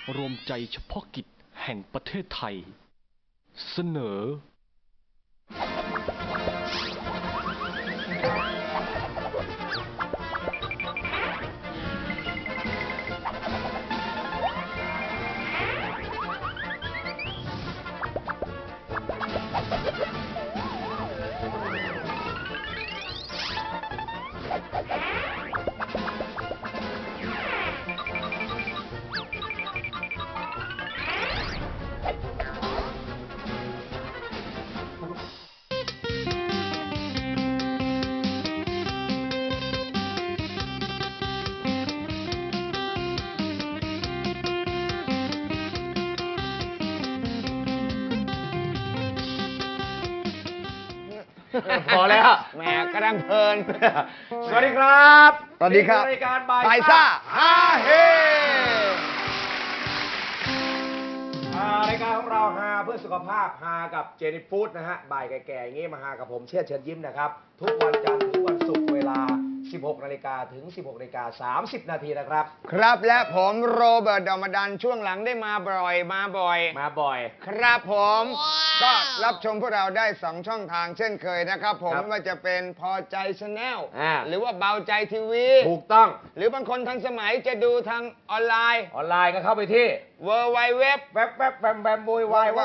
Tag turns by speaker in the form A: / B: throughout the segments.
A: รวมใจเฉพาะกิจแห่งประเทศไทยเสนอ
B: พอแล้วแหมกำลังเพลินสวัสดีครับสวัสดีครับรายการบายซ่าฮาเฮรายการของเราฮาเพื่อสุขภาพฮากับเจนี่ฟู้ดนะฮะบ่ายแก่ๆอย่างงี้มาฮากับผมเชิญยิ้มนะครับทุกวันจันทร์ถึงวันศุกร์เวลา 16 นาฬิกาถึง 16 นาฬิกา 30 นาทีนะครับ
C: ครับและผมโรเบิร์ต ดอมดันช่วงหลังได้มาบ่อยครับผมก็รับชมพวกเราได้2ช่องทางเช่นเคยนะครับผมไม่ว่าจะเป็นพอใจชาแนลหรือว่าเบาใจทีวี
B: ถูกต้อง
C: หรือบางคนทันสมัยจะดูทางออนไลน์
B: ก็เข้าไปที่
C: www
B: แวบแบมโวยวาย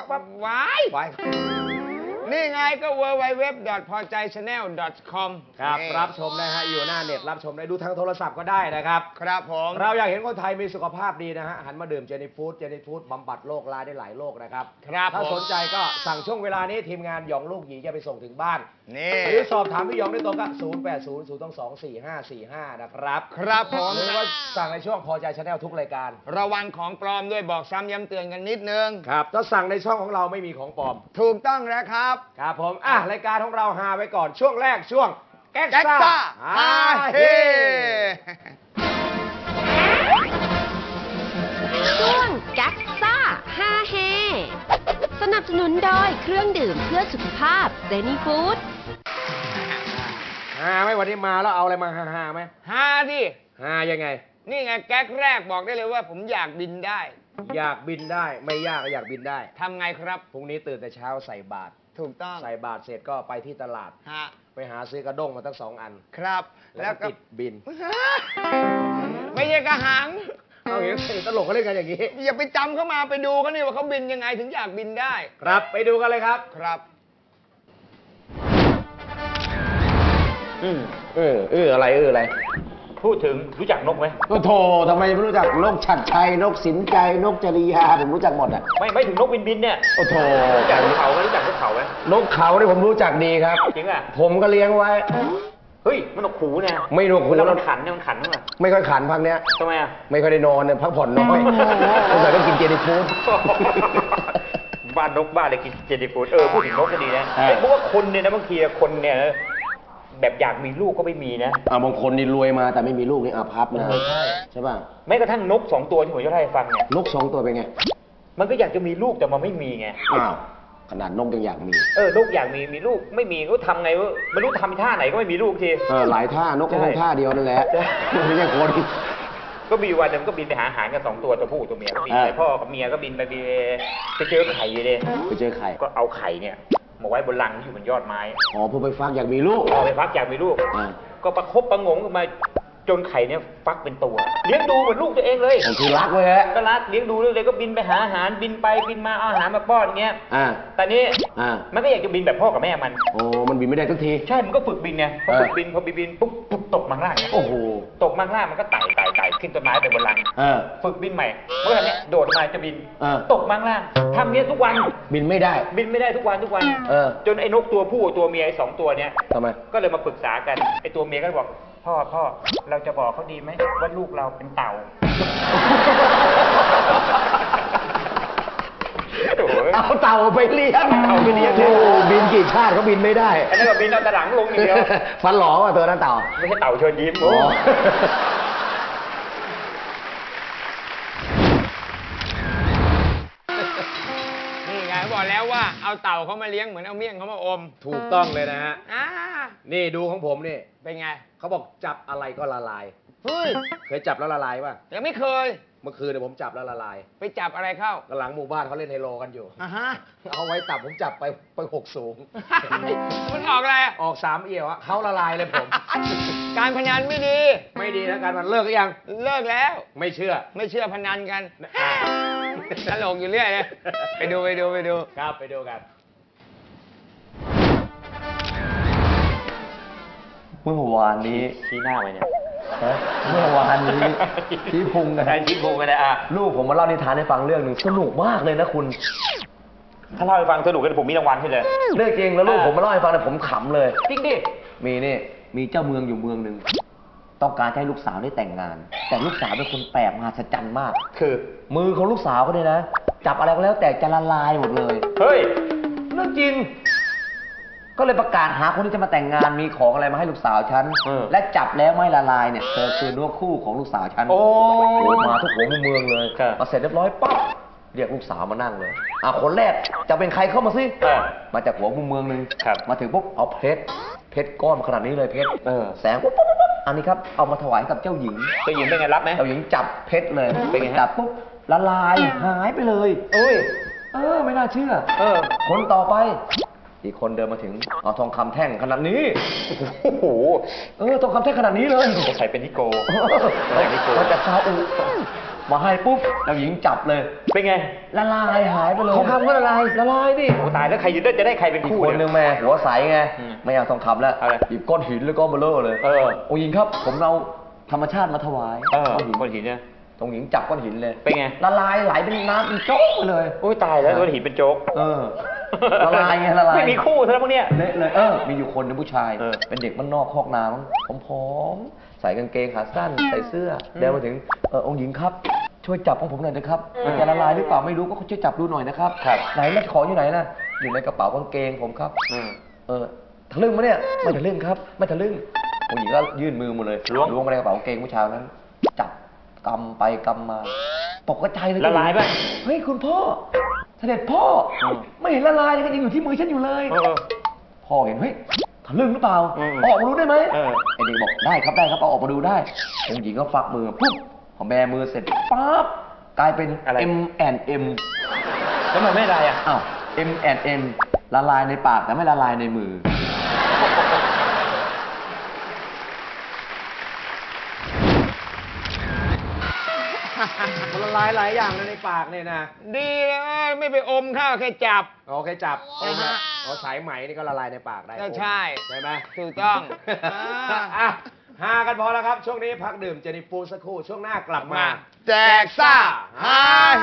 C: นี่ไงก็ www.pojaychannel.com
B: ครับรับชมนะฮะอยู่หน้าเน็ตรับชมได้ดูทางโทรศัพท์ก็ได้นะครับ
C: ครับผม
B: เราอยากเห็นคนไทยมีสุขภาพดีนะฮะหันมาดื่มเจนี่ฟู้ดบำบัดโรคร้ายได้หลายโรคนะครับถ้าสนใจก็สั่งช่วงเวลานี้ทีมงานหยองลูกหยีจะไปส่งถึงบ้านหรือสอบถามพี่หยองได้ตรงกับ0800224545นะครับ
C: ครับผม
B: หรือว่าสั่งในช่วงพอใจชาแนลทุกรายการ
C: ระวังของปลอมด้วยบอกซ้ำย้ำเตือนกันนิดนึง
B: ครับถ้าสั่งในช่องของเราไม่มีของปลอม
C: ถูกต้องแล้วครับ
B: ครับผมรายการของเราฮาไว้ก่อนช่วงแรกช่วงแก๊กซ่าฮาเฮ
D: ช่วงแก๊กซ่าฮาเฮสนับสนุนโดยเครื่องดื่มเพื่อสุขภาพเจนี่ฟู้ด
B: ฮาไหมวันนี้มาแล้วเอาอะไรมาฮาไหม
C: ฮาดิ
B: ฮายังไง
C: นี่ไงแก๊กแรกบอกได้เลยว่าผมอยากบินได้
B: อยากบินได้ไม่ยากอยากบินได้
C: ทำไงครับ
B: พรุ่งนี้ตื่นแต่เช้าใส่บาตร
C: ถูกต้อง
B: ใส่บาตรเสร็จก็ไปที่ตลาดไปหาซื้อกระด้งมาตั้ง2 อัน
C: ครับ
B: แล้วก็ติดบิน
C: ไม่ใช่กระหัง
B: เอาอย่างนี้ตลกเขาเล่นกันอย่างนี้
C: อย่าไปจำเขามาไปดูเขานี่ว่าเขาบินยังไงถึงอยากบินได้
B: ครับไปดูกันเลยครับ
C: ครับ
B: อะไร
E: พูดถึงรู้จักนกไหม
B: ก็โธ่ทำไมไม่รู้จักนกฉัตรชัยนกสินใจนกจริยาผมรู้จักหมดอ่ะ
E: ไม่ถึงนกบินเนี่ย
B: โอ้โธ่
E: รู้จักนกเขาไหมรู้จักนกเขาไหม
B: นกเขาเนี่ยผมรู้จักดีครับ
E: จริงอ่ะ
B: ผมก็เลี้ยงไว้
E: เฮ้ยมันนกขู่เนี่ย
B: ไม่นกขู่
E: แล้วมันขันมั้ย
B: ไม่ค่อยขันพักเนี้ย
E: ทำไมอ่ะ
B: ไม่ค่อยได้นอนเนี่ยพักผ่อนน้อยสงสัยต้องกินเจนี่ฟู้ด
E: บ้านนกบ้านเลยกินเจนี่ฟู้ดพูดถึงนกก็ดีนะเพราะว่าคนเนี่ยนะบางทีคนเนี่ยแบบอยากมีลูกก็ไม่มีนะ
B: บางคนนี่รวยมาแต่ไม่มีลูกนี่อาภัพนะใช่ป่ะ
E: แม้กระทั่งนก2 ตัวที่ผมจะเล่าให้ฟังเนี่ย
B: นก2 ตัวเป็นไง
E: มันก็อยากจะมีลูกแต่มันไม่มีไง
B: ขนาดนกยังอยากมี
E: นกอยากมีลูกไม่มีก็ทำไงวะไม่รู้ทำท่าไหนก็ไม่มีลูกที
B: หลายท่านกก็คงท่าเดียวนั่นแหละไม่ใช่คน
E: ก็มีวันนึงก็บินไปหาอาหารกัน2 ตัวตัวผู้ตัวเมียก็บินไปพ่อกับเมียก็บินไปเจอไข่เลย
B: ไปเจอไข่
E: ก็เอาไข่เนี่ยมาไว้บนรังที่อยู่บนยอดไม้
B: เพื่อไปฟักอยากมีลูก
E: ไปฟักอยากมีลูกก็ประคบประงมกันมาจนไข่เนี่ยฟักเป็นตัวเลี้ยงดูเหมือนลูกตัวเองเลย
B: คือรักเลยฮะ
E: ก็รักเลี้ยงดูเลยก็บินไปหาอาหารบินไปบินมาเอาอาหารมาป้อนอย่างเงี้ยแต่นี้มันก็อยากจะบินแบบพ่อกับแม่มัน
B: มันบินไม่ได้ทุกที
E: ใช่มันก็ฝึกบินไงพอฝึกบินพอบินปุ๊บตกมาข้างล่าง
B: โอ้โห
E: ตกมาข้างล่างมันก็ไต่ขึ้นต้นไม้ไปบนรังฝึกบินใหม่เมื่อไหร่เนี่ยโดดมาจะบินตกมาข้างล่างทำเนี้ยทุกวัน
B: บินไม่ได้
E: ทุกวันจนไอ้นกตัวผู้ตัวเมียไอ้2 ตัวเนี้ย
B: ทำไม
E: ก็เลยมาปรึกษากันไอ้ตัวเมียก็บอกพ่อเราจะบอกเขาดีไหมว่าลูกเราเป็นเต่า
B: เอาเต่าไปเลี้ยงบินกี่ชาติเขาบินไม่ได้
E: อันนี้ก็บินเอาแต่หลังลงอย่างเดียว
B: ฟันหล่อว่ะตัวนั้นเต่า
E: ไม่ใช่เต่าเชิญยิ้ม
C: นี่ไงบอกแล้วว่าเอาเต่าเขามาเลี้ยงเหมือนเอาเมี่ยงเขามาอม
B: ถูกต้องเลยนะฮะนี่ดูของผมนี่
C: เป็นไง
B: เขาบอกจับอะไรก็ละลาย
C: เฮ้ย
B: เคยจับแล้วละลายป่ะ
C: ยังไม่เคย
B: เมื่อคืนเนี่ยผมจับแล้วละลาย
C: ไปจับอะไรเข้า
B: หลังหมู่บ้านเขาเล่นไฮโลกันอยู่
C: อ่ะฮะ
B: เอาไว้ตับผมจับไป6 สูง
C: มันออกอะไรอะ
B: ออก3 เอี่ยวอะเขาละลายเลยผม
C: การพนันไม่ดี
B: ไม่ดีนะการมันเลิกหรือยัง
C: เลิกแล้ว
B: ไม่เชื่อ
C: ไม่เชื่อพนันกัน
B: อ่า
C: ตลกอยู่เรื่อยเลยไปดู
B: ครับไปดูกัน
F: เมื่อวานนี้
E: ชี้หน้าไปเนี่ย
F: ฮะเมื่อวานนี้ที่พุงกัน
E: ใช่ชี้พุงกันเลยอ่ะ
F: ลูกผมมาเล่านิทานให้ฟังเรื่องหนึ่งสนุกมากเลยนะคุณ
E: ถ้าเล่าให้ฟังสนุกกันผมมีรางวัลให้เลย
F: เรื่องจริงแล้วลูกผมมาเล่าให้ฟังเนี่ยผมขำเลย
E: จริงดิ
F: มีเจ้าเมืองอยู่เมืองหนึ่งต้องการจะให้ลูกสาวได้แต่งงาน แต่ลูกสาวเป็นคนแปลกมหัศจรรย์มาก
E: คือ
F: มือของลูกสาวก็เนี่ยนะ จับอะไรก็แล้วแต่จะละลายหมดเลย
E: เฮ้ย
F: เรื่องจริง ก็เลยประกาศหาคนที่จะมาแต่งงานมีของอะไรมาให้ลูกสาวฉัน และจับแล้วไม่ละลายเนี่ยเธอคือเนื้อคู่ของลูกสาวฉัน
E: โอ้
F: มาทุกหัวมุมเมืองเลย
E: ครับ
F: มาเสร็จเรียบร้อยปั๊บเรียกลูกสาวมานั่งเลยคนแรกจะเป็นใครเข้ามาสิ มาจากหัวมุมเมืองหนึ่ง
E: ครับ
F: มาถึงปุ๊บเอาเพชรก้อนขนาดนี้เลยเพชร แสงปุ๊บอันนี้ครับเอามาถวายกับเจ้าหญิง
E: เจ้าหญิงเป็นไงรับไหม
F: เจ้าหญิงจับเพชรเลย
E: เป็นไงฮะ
F: จับปุ๊บละลายหายไปเลย
E: โอ้ย
F: ไม่น่าเชื่อ คนต่อไป อีกคนเดินมาถึงเอาทองคำแท่งขนาดนี้
E: โอ้โห
F: ทองคำแท่งขนาดนี้เลย
E: สงสัยเป็นนิโก
F: มาจากซาอุมาให้ปุ๊บเจ้าหญิงจับเลย
E: เป็นไง
F: ละลายหายไปเลยทองคำก็ละลายดิ
E: โอ้ตายแล้วใครจะได้ใครเป็น
F: อีก
E: คู่
F: คนนึ
E: เนี่ย
F: งแม่หัวใสไง
E: อืม
F: ไม่เอาทองคำแล้ว
E: เอาอะไร
F: หยิบก้อนหินแล้วก็เบลอเลยองค์หญิงครับ ผมเอาธรรมชาติมาถวาย
E: ก้อนหินเนี่ย
F: องค์หญิงจับก้อนหินเลย
E: เป็นไง
F: ละลายไหลเป็นน้ำเป็นโจ๊กไปเลย
E: โอ้ยตายแล้วก้อนหินเป็นโจ๊ก
F: ละลายไงละลาย
E: ไม่มีคู่ซะแล้วพวกเนี้ย
F: เละเลยมีอยู่คนนึงผู้ชาย เป็นเด็กบ้านนอกคอกนามั้งผอมๆใส่กางเกงขาสั้นใส่เสื้อเดินมาถึงองค์หญิงครับ ช่วยจับของผมหน่อยนะครับมันจะละลายหรือเปล่าไม่รู้ก็ช่วยจับดูหน่อยนะครับไหนแล้วของอยู่ไหนนะอยู่ในกระเป๋ากางเกงผมครับทะลึ่งมั้ยเนี่ยไม่ทะลึ่งครับไม่ทะลึ่งองค์หญิงก็ยื่นมือมาเลยล้วงมาในกระเป๋ากางเกงผู้ชายนั้น จับกำไปกำมาตกกระจายเลย
E: ละลายป่ะ
F: เฮ้ยคุณพ่อเสด็จพ่อไม่เห็นละลายเลยก็ยังอยู่ที่มือฉันอยู่เลยพ่อเห็นเฮ้ยทะลึ่งหรือเปล่าออกมาดูได้ไหมไอเด็กบอกได้ครับเอาออกมาดูได้องค์หญิงก็ฝักมือปุ๊บพอแบมือเสร็จปั๊บกลายเป็น M&M
E: แล้วมันไม่ได้อ่ะ
F: อ้าว M&M ละลายในปากแต่ไม่ละลายในมือ
B: มันละลายหลายอย่างเลยในปากเนี่ยนะ
C: ดีเลยไม่ไปอมข้าวแค่จับ
B: โอเคจับ
C: ฮะ
B: สายไหมนี่ก็ละลายในปากได้
C: ก็ใช่
B: ใช่ไหม
C: ถูกต้อง
B: อ่ะหากันพอแล้วครับ ช่วงนี้พักดื่มเจนิฟูดสักครู่ ช่วงหน้ากลับมา
C: แจกซ่าฮาเฮ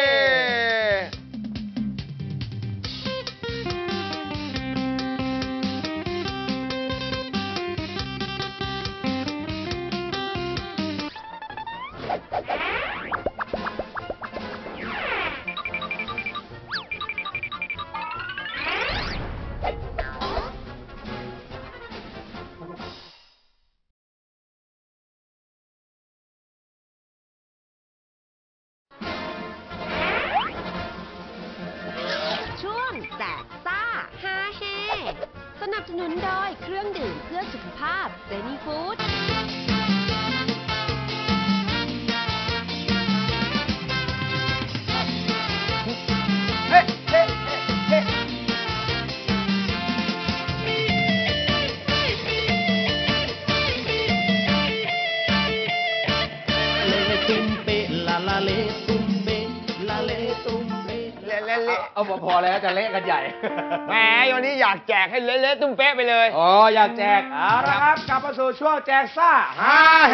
D: ช่วงแจกซ่าฮาเฮสนับสนุนโดยเครื่องดื่มเพื่อสุขภาพเซนีฟู้ด
C: เฮ้เฮ้เฮ้ เละ
B: เอาพอแล้วจะเละกันใหญ่
C: แหมวันนี้อยากแจกให้เละๆตุ้มเป๊ะไปเลย
B: อ๋ออยากแจกเอาละครับ กลับมาสู่ช่วงแจกซ่า
C: ฮาเฮ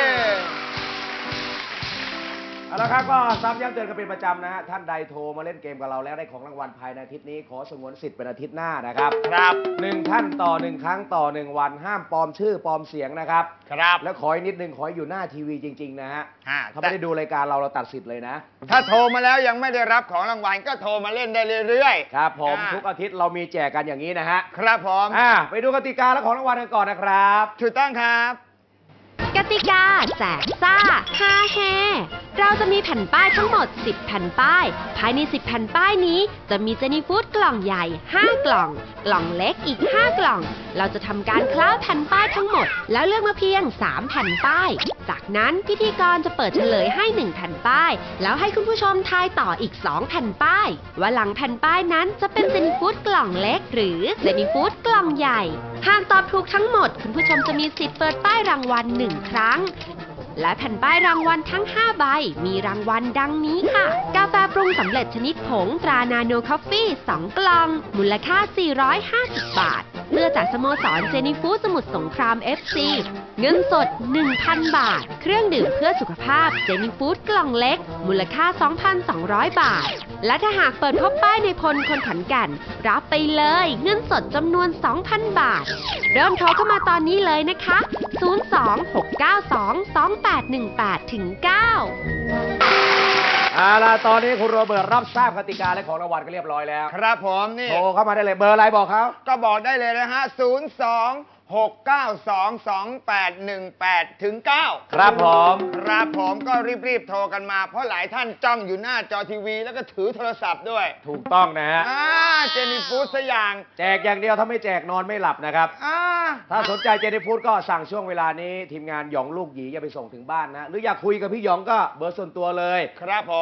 B: เอาละครับก็ซ้ำย้ำเตือนกันเป็นประจำนะฮะท่านใดโทรมาเล่นเกมกับเราแล้วได้ของรางวัลภายในอาทิตย์นี้ขอสงวนสิทธิ์เป็นอาทิตย์หน้านะครับ
C: ครับ
B: 1 ท่านต่อ 1 ครั้งต่อ 1 วันห้ามปลอมชื่อปลอมเสียงนะครับ
C: ครับ
B: แล้วขออีกนิดนึงขอให้อยู่หน้าทีวีจริงๆนะฮะ ถ้า
C: แต่
B: ไม่ได้ดูรายการเราตัดสิทธิ์เลยนะ
C: ถ้าโทรมาแล้วยังไม่ได้รับของรางวัลก็โทรมาเล่นได้เรื่อยๆ
B: ครับผมทุกอาทิตย์เรามีแจกกันอย่างนี้นะฮะ
C: ครับผม
B: ไปดูกติกาและของรางวัลกันก่อนนะครับ
C: ถูกต้องครับ
D: กกติกาแจกซ่าฮาแฮเราจะมีแผ่นป้ายทั้งหมด 10 แผ่นป้าย ภายใน 10 แผ่นป้ายนี้จะมีเจนี่ฟู้ดกล่องใหญ่ 5 กล่อง กล่องเล็กอีก 5 กล่อง เราจะทำการคล้าแผ่นป้ายทั้งหมด แล้วเลือกมาเพียง 3 แผ่นป้าย จากนั้นพิธีกรจะเปิดเฉลยให้ 1 แผ่นป้าย แล้วให้คุณผู้ชมทายต่ออีก 2 แผ่นป้าย ว่าหลังแผ่นป้ายนั้นจะเป็นเจนี่ฟู้ดกล่องเล็ก หรือเจนี่ฟู้ดกล่องใหญ่ หากตอบถูกทั้งหมด คุณผู้ชมจะมีสิทธิ์เปิดป้ายรางวัล 1 ครั้ง และแผ่นป้ายรางวัลทั้ง 5 ใบ มีรางวัลดังนี้ค่ะ กาแฟปรุงสำเร็จชนิดผงตรานาโนคอฟฟี่ 2 กล่อง มูลค่า 450 บาท เสื้อจากสโมสรเจนี่ฟู้ดสมุทรสงคราม FC เงินสด 1,000 บาท เครื่องดื่มเพื่อสุขภาพเจนี่ฟู้ดกล่องเล็ก มูลค่า 2,200 บาท และถ้าหากเปิดพบป้ายในพลคนขอนแก่นรับไปเลยเงินสดจำนวน 2,000 บาท เริ่มโทรเข้ามาตอนนี้เลยนะคะ 026922818ถึง 9
B: เอาล่ะตอนนี้คุณโรเบิร์ตรับทราบกติกาและของรางวัลกันเรียบร้อยแล้ว
C: ครับผมนี่
B: โทรเข้ามาได้เลยเบอร์อะไรบอกเขา
C: ก็บอกได้เลยนะฮะ 026922818ถึง 9
B: ครับผม
C: ครับผมก็รีบๆโทรกันมา เพราะหลายท่านจ้องอยู่หน้าจอทีวี แล้วก็ถือโทรศัพท์ด้วย
B: ถูกต้องนะฮะ
C: เจนี่ฟู้ดสอย่าง
B: แจกอย่างเดียวถ้าไม่แจกนอนไม่หลับนะครับ ถ้าสนใจเจนี่ฟู้ดก็สั่งช่วงเวลานี้ทีมงานหยองลูกหยีจะไปส่งถึงบ้านนะ หรืออยากคุยกับพี่หยองก็เบอร์ส่วนตัวเลย
C: ครับผม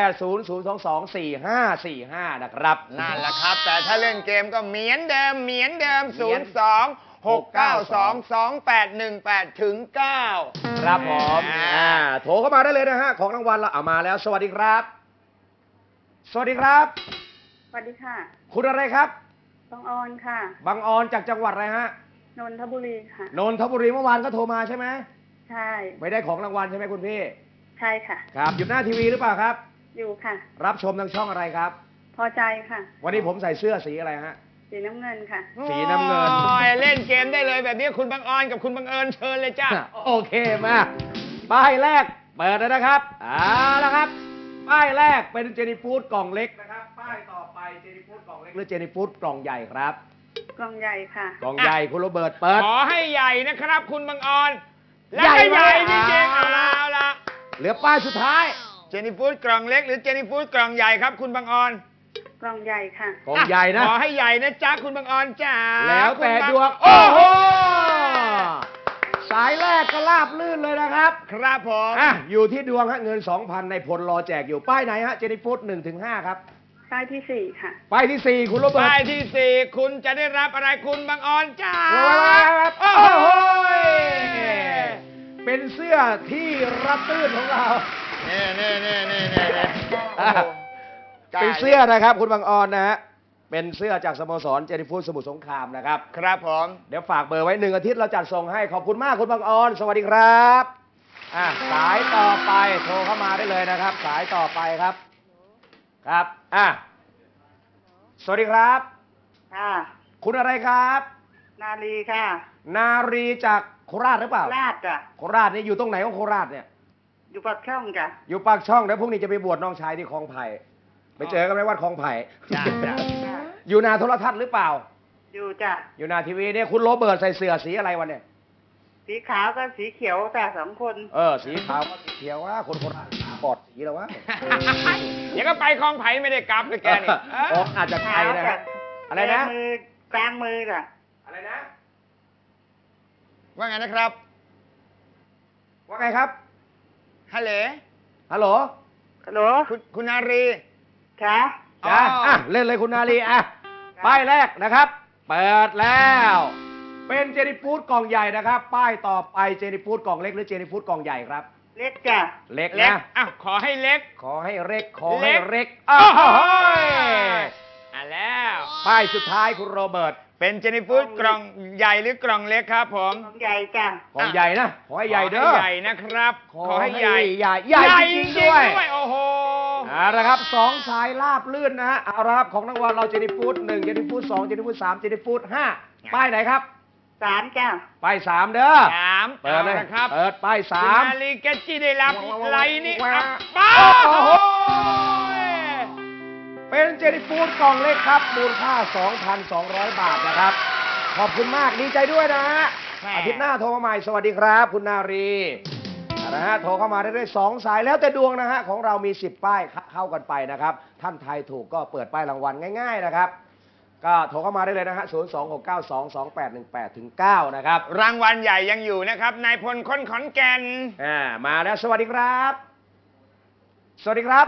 B: 0800224545 นะครับ
C: นั่นแหละครับ แต่ถ้าเล่นเกมก็เหมือนเดิม 026922818ถึง 9
B: ครับผมโทรเข้ามาได้เลยนะฮะ ของรางวัลเราเอามาแล้ว สวัสดีครับ สวัสดีครับ
G: สวัสดีค่ะ
B: คุณอะไรครับ
G: บางออนค่ะ
B: บางออนจากจังหวัดอะไรฮะ
G: นนทบุรีค่ะ
B: นนทบุรีเมื่อวานก็โทรมาใช่ไหม
G: ใช่
B: ไม่ได้ของรางวัลใช่ไหมคุณพี่
G: ใช่ค่ะ
B: ครับอยู่หน้าทีวีหรือเปล่าครับ
G: อยู่ค่ะ
B: รับชมทางช่องอะไรครับ
G: พอใจค่ะ
B: วันนี้ผมใส่เสื้อสีอะไรฮะ
G: สีน้ำเงินค่ะ
B: สีน้ำเงิน
C: โอ้ยเล่นเกมได้เลยแบบนี้คุณบางออนกับคุณบังเอิญเชิญเลยจ้า
B: โอเคมาป้ายแรกเปิดแล้วนะครับเอาละครับ ป้ายแรกเป็นเจนี่ฟู้ดกล่องเล็กนะครับ ป้ายต่อไปเจนี่ฟู้ดกล่องเล็กหรือเจนี่ฟู้ดกล่องใหญ่ครับ
G: กล่องใหญ่ค่ะ
B: กล่องใหญ่คุณโรเบิร์ตเปิด
C: ขอให้ใหญ่นะครับคุณบางออน และ
B: ใหญ่
C: ก็ใหญ่
B: ไหม
C: จริงๆเอาละ
B: เหลือป้ายสุดท้าย
C: เจนี่ฟู้ดกล่องเล็กหรือเจนี่ฟู้ดกล่องใหญ่ครับคุณบางออน
G: กล่องใหญ่ค่ะ
B: กล่องใหญ่นะ
C: ขอให้ใหญ่นะจ๊ะคุณบางออนจ้า
B: แล้วแต่
C: คุณบาง
B: ดวงโอ้โหสายแรกก็ราบลื่นเลยนะครับ
C: ครับผม
B: อยู่ที่ดวงฮะเงิน 2,000 ในพลรอแจกอยู่ป้ายไหนฮะเจนี่ฟู้ด1-5 ครับ
G: ป้ายที่ 4 ค่ะ
B: ป้ายที่ 4 คุณโรเบิร์ต
C: ป้ายที่ 4 คุณจะได้รับอะไรคุณบางออนจ้า
B: โอ้โหเป็นเสื้อที่รับตื้นของเรา
C: เน่
B: เป็นเสื้อนะครับคุณบางออนนะฮะ เป็นเสื้อจากสโมสรเจนี่ฟู้ดสมุทรสงครามนะครับ
C: ครับผม
B: เดี๋ยวฝากเบอร์ไว้1 อาทิตย์เราจัดส่งให้ขอบคุณมากคุณบางออน สวัสดีครับสายต่อไปโทรเข้ามาได้เลยนะครับ สายต่อไปครับ ครับสวัสดีครับ
G: ค่ะ
B: คุณอะไรครับ
G: นาลีค่ะ
B: นารีจากโคราชหรือเปล่า
G: ลาดจ้ะ
B: โคราชนี่อยู่ตรงไหนของโคราชเนี่ย
G: อยู่ปากช่องจ้ะ
B: อยู่ปากช่องเดี๋ยวพรุ่งนี้จะไปบวชน้องชายที่คลองไผ่ไปเจอกันไหมวัดคลองไผ่
C: จ้า
B: อยู่นาโทรทัศน์หรือเปล่า
G: อยู่จ้ะ
B: อยู่นาทีวีเนี่ยคุณโรเบิร์ตใส่เสื้อสีอะไรวันเนี่ย
G: สีขาวกับสีเขียวแต่2 คน
B: สีขาวก็สีเขียวว่าคนโคราชปอดสีแล้ววะ
C: เดี๋ยวก็ไปคลองไผ่ไม่ได้กลับเลยแกนี่
B: อาจจะไทยนะฮะอะไรนะ
G: มือกลางมือจ้ะ
B: อะไรนะ
C: ว่าไงนะครับ
B: ว่าไงครับ
C: ฮัลโหล
B: ฮัลโหล
G: ฮัลโหล
C: คุณนารี
G: ค่ะ
B: จ้าเล่นเลยคุณนาลีป้ายแรกนะครับ เปิดแล้ว เป็นเจนี่ฟู้ดกล่องใหญ่นะครับ ป้ายต่อไปเจนี่ฟู้ดกล่องเล็กหรือเจนี่ฟู้ดกล่องใหญ่ครับ
G: เล็กจ้ะ
B: เล็ก
C: เล็ก
B: นะ
C: ขอให้เล็ก
B: ขอให้เล็กขอให้เล็ก
C: โอ้
B: อ้าว
C: โห
B: เฮ้ย
C: แล้ว
B: ป้ายสุดท้ายคุณโรเบิร์ต
C: เป็นเจนี่ฟู้ดกล่องใหญ่หรือกล่องเล็กครับผม
G: กล่องใหญ่จ้ะ
B: กล่องใหญ่นะขอให้ใหญ่เด้อ
C: ขอให้ใหญ่นะครับ ขอให้ใหญ่
B: ใหญ่จริงๆด้วย
C: โอ้โห
B: เอาละครับ2 สายลาบลื่นนะฮะเอาละครับของรางวัลเราเจนี่ฟู้ด1เจนี่ฟู้ด2เจนี่ฟู้ด3เจนี่ฟู้ด5ป้ายไหนครับ
G: 3จ้ะ
B: ป้าย3เด้อ
C: 3
B: เปิดเลย
C: นะครับ
B: เปิดป้าย
C: คุณ
B: 3
C: นาลีแกจี้ได้รับไรนี่
B: ว้าว
C: อ่ะป้า
B: โอ้โห เป็นเจนี่ฟู้ดกล่องเล็กครับมูลค่า 2,200 บาทนะครับ ขอบคุณมากดีใจด้วยนะฮะอาทิตย์หน้าโทรมาใหม่สวัสดีครับ คุณนารีนะฮะโทรเข้ามาได้ด้วย2 สายแล้วแต่ดวงนะฮะของเรามี10 ป้ายเข้ากันไปนะครับท่านไทยถูกก็เปิดป้ายรางวัลง่ายๆนะครับก็โทรเข้ามาได้เลยนะฮะ026922818-9นะครับ
C: รางวัลใหญ่ยังอยู่นะครับนายพลคนขอนแก่น
B: มาแล้วสวัสดีครับ สวัสดีครับ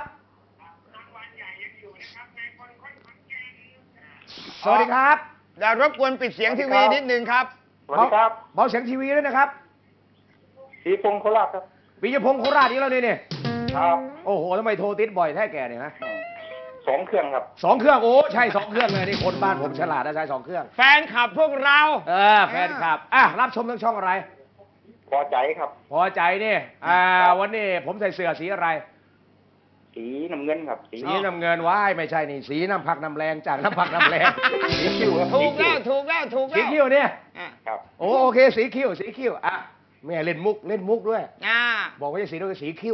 B: สวัสดีครับ
C: เดี๋ยวรบกวนปิดเสียงทีวีนิดนึงครับ
E: สวัสดีครับ
B: เบาเสียงทีวีด้วยนะครับ
E: ปีพงศ์โคราชครับ
B: ปิยพงศ์โคราชนี่แล้วเนี่ย
E: ครับ
B: โอ้โหทำไมโทรติดบ่อยแท้แกเนี่ยฮะ
E: 2 เครื่องครับ
B: 2 เครื่องโอ้ใช่2 เครื่องเลยนี่คนบ้านผมฉลาดนะใช้2 เครื่อง
C: แฟนคลับพวกเรา
B: แฟนคลับรับชมทางช่องอะไร
E: พอใจครับ
B: พอใจนี่วันนี้ผมใส่เสื้อสีอะไร
E: สีน้ำเงินครับ
B: สีน้ำเงินว้ายไม่ใช่นี่สีน้ำผักน้ำแรงจากน้ำผักน้ำแรง
E: สีคิ้วครับ
C: ถูกแล้วถูกแล้วถูก
B: สี
C: แล้ว
B: คิ้วเนี่ย
E: ครับ
B: โอเคสีคิ้วแม่เล่นมุกด้วย บอกว่าจะสีด้วยสีคิ้ว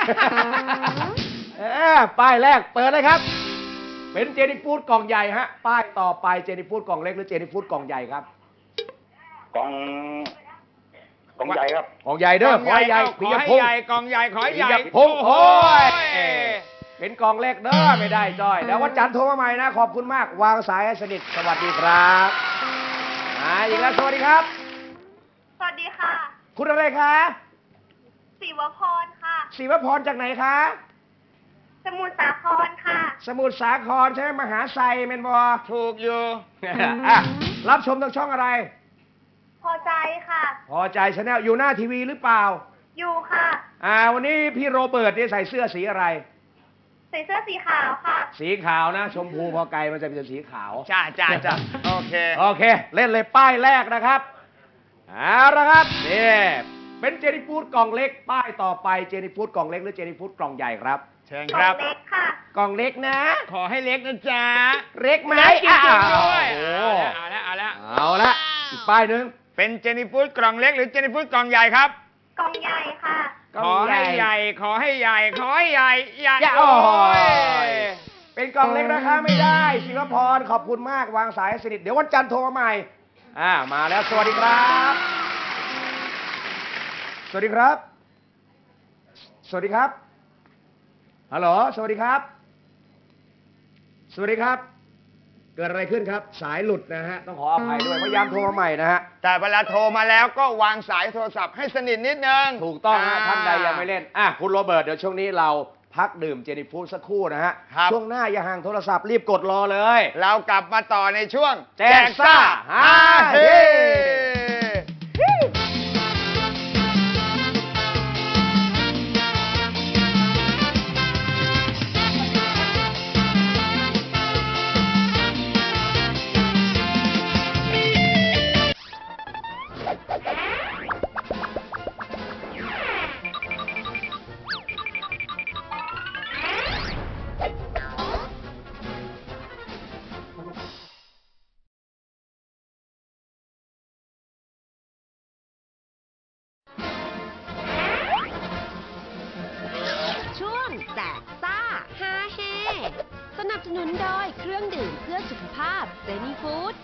B: ป้ายแรกเปิดเลยครับ เป็นเจนี่ฟูดกล่องใหญ่ฮะป้ายต่อไปเจนี่ฟูดกล่องเล็กหรือเจนี่ฟูดกล่องใหญ่ครับ
E: กองใหญ่ครับ
B: กล่องใหญ่เด้อขอให้ใหญ่
C: ขอให้ใหญ่กองใหญ่ขอให้ใหญ่
B: ปิยพงศ์โอ้ยเป็นกล่องเล็กเด้อไม่ได้จ้อยเดี๋ยววันจันทร์โทรมาใหม่นะขอบคุณมากวางสายให้สนิทสวัสดีครับอีกแล้วสวัสดีครับ
H: สวัสดีค่ะ
B: คุณอะไรคะ
H: ศิวพรค่ะ
B: ศิวพรจากไหนคะ
H: สมุทรสาครค่ะ
B: สมุทรสาครใช่ไหมมหาไซเมนบอ
C: ถูกอยู่
B: รับชมทางช่องอะไร
H: พอใจค่ะ
B: พอใจชาแนลอยู่หน้าทีวีหรือเปล่า
H: อยู่ค่ะ
B: วันนี้พี่โรเบิร์ตเนี่ยใส่เสื้อสีอะไร
H: ใส่เสื้อสีขาวค่ะ
B: สีขาวนะ ชมพูพอไกลมันจะเป็นสีขาว
C: จ้าโอเค
B: โอเค เล่นเลยป้ายแรกนะครับเอาละครับนี่เป็นเจนี่ฟูดกล่องเล็ก ป้ายต่อไปเจนี่ฟูดกล่องเล็กหรือเจนี่ฟูดกล่องใหญ่ครับ
C: เชิญ
H: ก
C: ค
H: ล่อ
C: รั
H: ง
C: บ
H: เล็กค่ะ
B: กล่องเล็กนะ
C: ขอให้เล็กนะจ๊ะ
B: เล็กไหม
C: เล็กจริงๆด้วย
B: โอ้
C: เอาละเอาละ
B: เอาละอีกป้ายหนึ่ง
C: เป็นเจนี่ฟูดกล่องเล็กหรือเจนี่ฟูดกล่องใหญ่ครับ
H: กล่องใหญ่ค่ะ
C: ขอให้ใหญ่ ขอให้ใหญ่ ขอให้ใหญ่ใหญ่
B: โอ้ยเป็นกล่องเล็กนะคะไม่ได้ศิวพรขอบคุณมากวางสายให้สนิทเดี๋ยววันจันทร์โทรมาใหม่มาแล้วสวัสดีครับ สวัสดีครับ สวัสดีครับฮัลโหลสวัสดีครับ สวัสดีครับ เกิดอะไรขึ้นครับ สายหลุดนะฮะต้องขออภัยด้วยพยายามโทรมาใหม่นะฮะ
C: แต่เวลาโทรมาแล้วก็วางสายโทรศัพท์ให้สนิทนิดนึง
B: ถูกต้องฮะท่านใดยังไม่เล่นคุณโรเบิร์ตเดี๋ยวช่วงนี้เราพักดื่มเจนี่ฟูดสักครู่นะฮะ
C: ครับ
B: ช่วงหน้าอย่าห่างโทรศัพท์รีบกดรอเลย
C: เรากลับมาต่อในช่วง
B: แจกซ่าฮาเฮ
D: ช่วงแจกซ่าฮาเฮสนับสนุนโดยเครื่องดื่มเพื่อสุขภาพเจนี่ฟู้ด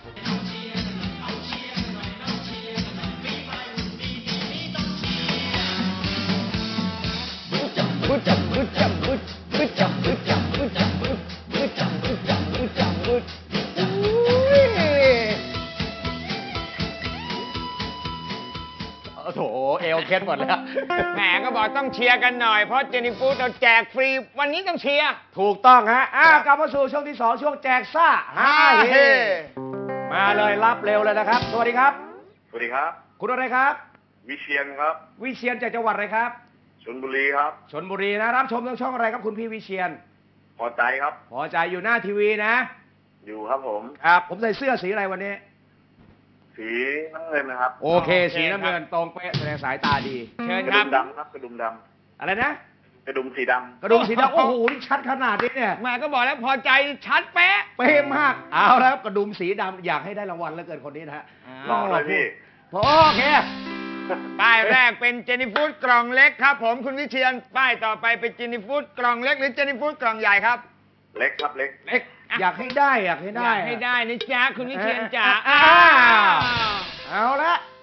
B: โอ้โถเอวเคล็ดหมดแล้ว
C: แหมก็บอกต้องเชียร์กันหน่อย เพราะเจนี่ฟูดเราแจกฟรี วันนี้ต้องเชียร์
B: ถูกต้องฮะกลับมาสู่ช่วงที่ 2 ช่วงแจกซ่าฮาเฮมาเลยรับเร็วเลยนะครับ สวัสดีครับ
I: สวัสดีครับ
B: คุณอะไรครับ
I: วิเชียนครับ
B: วิเชียนจากจังหวัดอะไรครับ
I: ชลบุรีครับ
B: ชลบุรีนะรับชมทางช่องอะไรครับคุณพี่วิเชียน
I: พอใจครับ
B: พอใจอยู่หน้าทีวีนะ
I: อยู่ครับผม
B: ครับผมใส่เสื้อสีอะไรวันนี้
I: สีน้ำเงินนะครับ
B: โอเค สีน้ำเงินตรงเป๊ะแสดงสายตาดี
C: เชิญ
I: กระ
C: ครั
I: ดุ
C: บ
I: มดำครับ กระดุมด
B: อะไรนะ
I: ำกระดุมสีดำ
B: กระดุมสีดำโอ้โหนี่ชัดขนาดนี้เนี่ย
C: แหม่ก็บอกแล้วพอใจชัดเป๊ะ
B: เป๊ะมากเอาแล้วครับกระดุมสีดำอยากให้ได้รางวัลแล้วเกินคนนี้นะฮะ
I: หล่อเลยพี่
B: โอเค
C: ป้ายแรกเป็นเจนี่ฟูดกล่องเล็กครับ ผมคุณวิเชียนป้ายต่อไปเป็นเจนี่ฟูดกล่องเล็กหรือเจนี่ฟูดกล่องใหญ่ครับ
I: เล็กครับเล็ก
B: เล็กอยากให้ได้อยากให้
C: อ
B: ได้
C: ยากให้ได้นะจ๊ะคุณวิเชียนจ๋า
B: เอาละ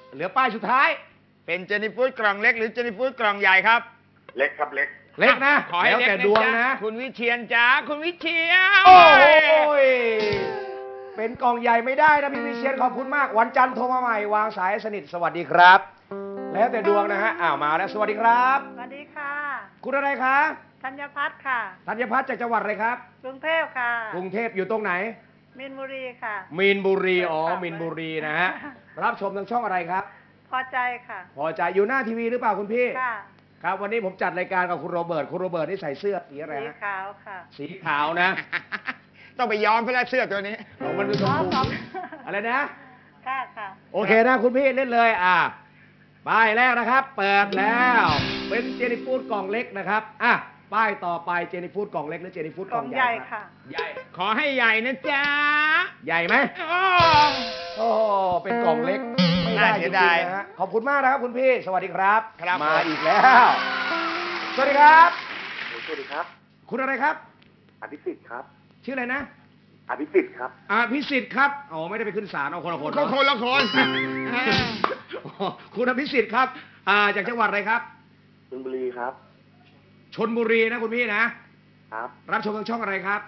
B: เหลือป้ายสุดท้าย
C: เป็นเจนี่ฟูดกล่องเล็กหรือเจนี่ฟูดกล่องใหญ่ครับ
I: เล็กครับเล็ก
B: เล็กนะ
C: ขอให้
B: แล้ว
C: เล็ก
B: แต่
C: นะ
B: ดวง
C: จ๊ะ
B: นะ
C: คุณวิเชียนจ้าคุณวิเชียน
B: โอ้ยเป็นกล่องใหญ่ไม่ได้นะพี่วิเชียนขอบคุณมาก วันจันทร์โทรมาใหม่วางสายให้สนิทสวัสดีครับ แล้วแต่ดวงนะฮะมาแล้วสวัสดีครับ
G: สวัสดีค่ะ
B: คุณอะไรคะ
G: ธัญพัฒน์ค่ะ
B: ธัญพัฒน์จากจังหวัดอะไรครับ
G: กรุงเทพค่ะ
B: กรุงเทพอยู่ตรงไหน
G: มินบุรีค่ะ
B: มีนบุรีอ๋อ
G: ค่ะ
B: มีนบุรีนะฮะรับชมทางช่องอะไรครับ
G: พอใจค่ะ
B: พอใจอยู่หน้าทีวีหรือเปล่าคุณพี่
G: ค่ะ
B: ครับวันนี้ผมจัดรายการกับคุณโรเบิร์ตคุณโรเบิร์ตนี่ใส่เสื้อสีอะไร
G: สี
B: ฮะ
G: ขาวค่ะ
B: สีขาวนะ
C: ต้องไปย้อมเพื่อเสื้อตัวนี้
B: ของมันดูชมพู
G: อ๋อ
B: อะไรนะ
G: ค่ะค่ะ
B: โอเคนะคุณพี่เล่นเลยป้ายแรกนะครับ เปิดแล้วเป็นเจนี่ฟูดกล่องเล็กนะครับป้ายต่อไปเจนี่ฟูดกล่องเล็กหรือเจนี่ฟูดกล่องใหญ่
G: กล่องใหญ่
B: ครับ
G: ค่ะ
B: ใหญ่
C: ขอให้ใหญ่นะจ๊ะ
B: ใหญ่ไหม
C: อ้อ
B: โอ้เป็นกล่องเล็กไม่ได้
C: น่า
B: จ
C: เสี
B: ริ
C: ย
B: ง
C: ดาย
B: ๆนะฮะขอบคุณมากนะครับคุณพี่สวัสดีครับ
C: ครับ
B: มา
C: ผม
B: อีกแล้ว สวัสดีครับ
I: สวัสดีครับ
B: คุณอะไรครับ
I: อภิสิทธิ์ครับ
B: ชื่ออะไรนะ
I: อภิสิทธิ์ครับ
B: พิสิทธิ์ครับอ๋อไม่ได้ไปขึ้นศาลเอาคนละคน
C: เขาคนละคน
B: อ๋อคุณอภิสิทธิ์ครับจากจังหวัดอะไรครับ
I: ชลบุรีครับ
B: ชนบุรีนะคุณพี่นะครับ รับชมทางช่องอะไรครับ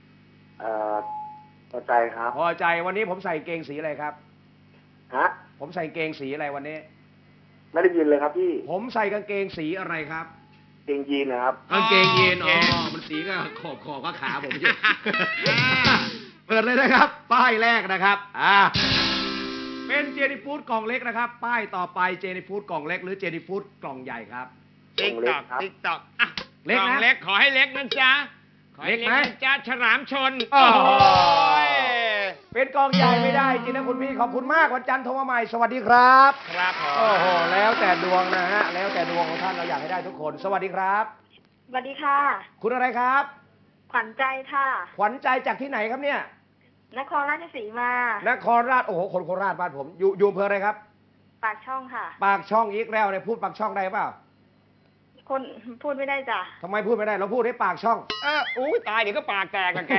I: พอใจครับ
B: พอใจวันนี้ผมใส่เกงสีอะไรครับ
I: ฮะ
B: ผมใส่เกงสีอะไรวันนี้
I: ไม่ได้ยินเลยครับพี่
B: ผมใส่กางเกงสีอะไรครับ
I: เกงยีนนะครับ
B: กางเกงยีนอ๋อมันสีก็ขอบก็ขาผมอยู่ เปิดเลยนะครับ ป้ายแรกนะครับเป็นเจนี่ฟูดกล่องเล็กนะครับ ป้ายต่อไปเจนี่ฟูดกล่องเล็กหรือเจนี่ฟูดกล่องใหญ่ครับ
C: ติ๊กตอกติ๊กตอก
B: เล็กนะ
C: กล่องเล็กขอให้เล็กนะจ๊ะขอให้
B: เล็กไหม
C: นะจ๊ะฉลามชน
B: โอ้โห
C: ย
B: เป็นกองใหญ่ไม่ได้จริงนะคุณพี่ขอบคุณมากวันจันทร์โทรมาใหม่สวัสดีครับ
C: ครับผม
B: โอ้โหแล้วแต่ดวงนะฮะแล้วแต่ดวงของท่านเราอยากให้ได้ทุกคน สวัสดีครับ
H: สวัสดีค่ะ
B: คุณอะไรครับ
H: ขวัญใจค่ะ
B: ขวัญใจจากที่ไหนครับเนี่ย
H: นครราชสีมา
B: นครราชโอ้โหคนโคราชบ้านผมอยู่อำเภออะไรครับ
H: ปากช่องค่ะ
B: ปากช่องอีกแล้วเนี่ยพูดปากช่องได้เปล่า
H: คนพูดไม่ได้จ้ะ
B: ทำไมพูดไม่ได้เราพูดให้ปากช่อง
C: อุ้ยตายเดี๋ยวก็ปากแตกกับแก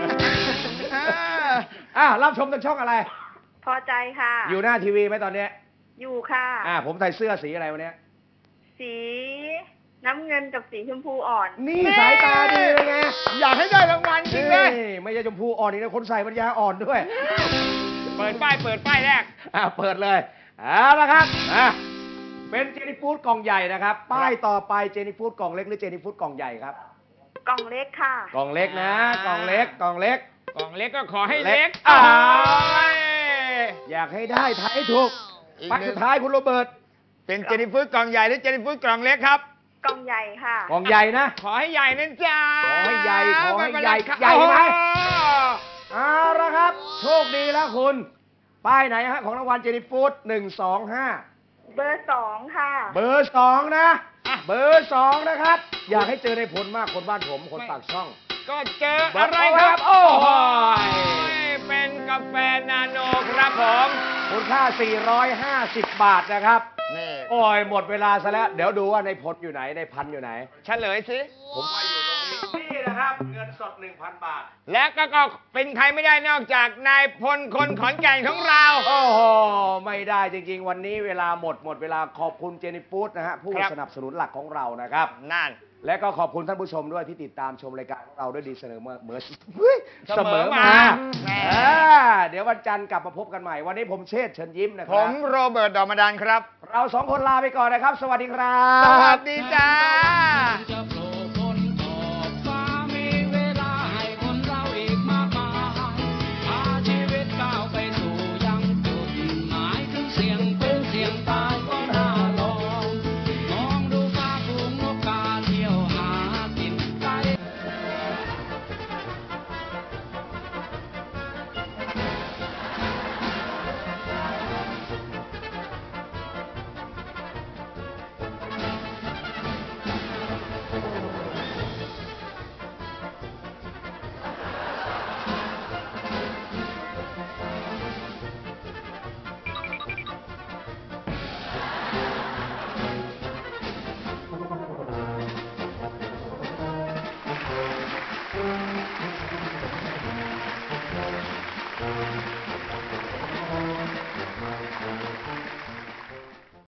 B: รับชมทางช่องอะไร
H: พอใจค่ะ
B: อยู่หน้าทีวีไหมตอนเนี้ย
H: อยู่ค่ะ
B: ผมใส่เสื้อสีอะไรวันเนี้ย
H: สีน้ำเงินกับสีชมพูอ่อน
B: นี่สายตาดีเลยไง
C: อยากให้ได้รางวัลจริงเลย
B: ไม่ใช่ชมพูอ่อนอีกนะคนใส่ปัญญาอ่อนด้วย
C: เปิดป้ายแรก
B: เปิดเลยเอาละครับเป็นเจนี่ฟูดกล่องใหญ่นะครับ ป้ายต่อไปเจนี่ฟูดกล่องเล็กหรือเจนี่ฟูดกล่องใหญ่ครับ
H: กล่องเล็กค่ะ
B: กล่องเล็กนะกล่องเล็กกล่องเล็ก
C: กล่องเล็กก็ขอให้เล็ก
B: อ้าว
C: โอ้ย
B: อยากให้ได้ทายให้ถูก
C: อีก
B: ป้าย
C: หนึ่ง
B: สุดท้ายคุณโรเบิร์ต
C: เป็นเจนิฟูดกล่องใหญ่หรือเจนิฟูดกล่องเล็กครับ
H: กล่องใหญ่ค่ะ
B: กล่องใหญ่นะ
C: ขอให้ใหญ่นะจ๊ะ
B: ขอให้ใหญ่ขอให้
C: ไม่เป็น
B: ใหญ่
C: ไรครับ
B: ใหญ่ไหม
C: โอ้
B: เอาละครับ โชคดีแล้วคุณ ป้ายไหนฮะของรางวัลเจนี่ฟูด125
H: เบอร์ 2 ค่ะ
B: เบอร์2นะเบอร์2นะครับ อยากให้เจอในผลมากคนบ้านผมคนปากช่อง
C: ก็เจออะไรครับ
B: โอ้โห
C: เป็นกาแฟนาโนครับผม
B: มูลค่า 450 บาทนะครับ
C: นี่
B: โอ้ยหมดเวลาซะแล้ว เดี๋ยวดูว่าในผลอยู่ไหนในพันอยู่ไหน
C: เฉลยสิ
B: ผมว่าอยู่ตรงนี้ นี่นะครับ เงินสด 1,000 บาท
C: และก็เป็นใครไม่ได้นอกจากนายพลคนขอนแก่นของเรา
B: โอ้โห ไม่ได้จริงๆ วันนี้เวลาหมดเวลาขอบคุณเจนี่ฟูดนะฮะผู้
C: ครับ
B: สนับสนุนหลักของเรานะครับ
C: นั่น
B: และก็ขอบคุณท่านผู้ชมด้วยที่ติดตามชมรายการของเราด้วยดีเสมอเสมอมา
C: แหม
B: เดี๋ยววันจันทร์กลับมาพบกันใหม่ วันนี้ผมเชษฐ์เชิญยิ้มนะค
C: ผ
B: รั
C: มโรเบิร์ตดอมดานครับ
B: เราสองคนลาไปก่อนนะครับ สวัสดีครับ
C: สวัสดีจ้า
A: จะโผล่